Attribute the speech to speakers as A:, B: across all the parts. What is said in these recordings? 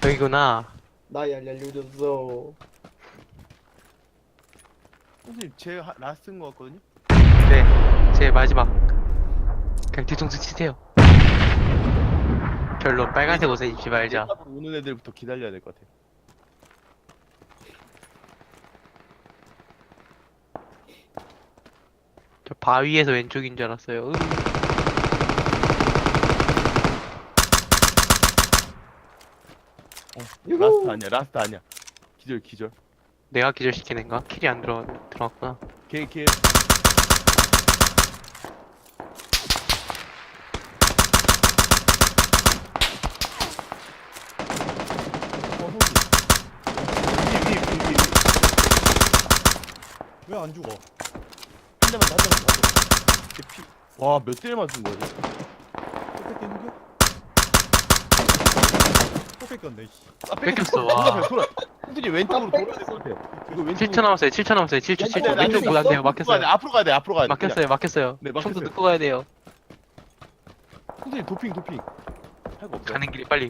A: 여기구나.
B: 나야 알려줬어.
C: 선생님 제 라스트인 것 같거든요?
A: 네, 제 마지막. 그냥 뒤통수 치세요. 별로 빨간색 옷에 입지 말자.
C: 내가 오는 애들부터 기다려야 될 것 같아.
A: 저 바위에서 왼쪽인 줄 알았어요.
C: 라스트 아니야, 라스트 아니야. 기절, 기절.
A: 내가 기절시킨 애인가? 킬이 안 들어갔구나.
C: 걔. 위에.
D: 왜 안 죽어?
C: 한 대만 더. 걔 피. 와, 몇 대를 맞은 거야? 쟤?
D: 또 뺏겼는데? 또 뺏겼네. 씨.
C: 아,
A: 뺏겼어,
C: 돌아,
A: 와.
C: 돌아. 선생님 왼쪽으로 돌아야 될 것 같아. 이거 왼쪽으로.
A: 7초 남았어요, 7초 남았어요, 7초, 7초.
B: 안 돼,
A: 왼쪽
B: 안
A: 보안 돼요,
C: 앞으로 가야 돼,
A: 막혔어요.
C: 앞으로 가야 돼.
A: 막혔어요, 막혔어요.
C: 네,
A: 총도
C: 막혔어요.
A: 넣고 가야 돼요.
C: 선생님 도핑. 할 거 없어.
A: 가는 길이 빨리.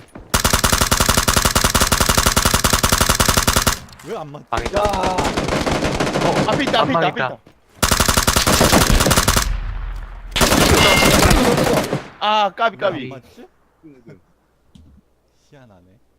D: 왜 안 맞?
A: 망했다.
B: 야.
C: 앞에 있다.
A: 망했다.
C: 아, 까비.
D: 왜 안 맞지? 희한하네.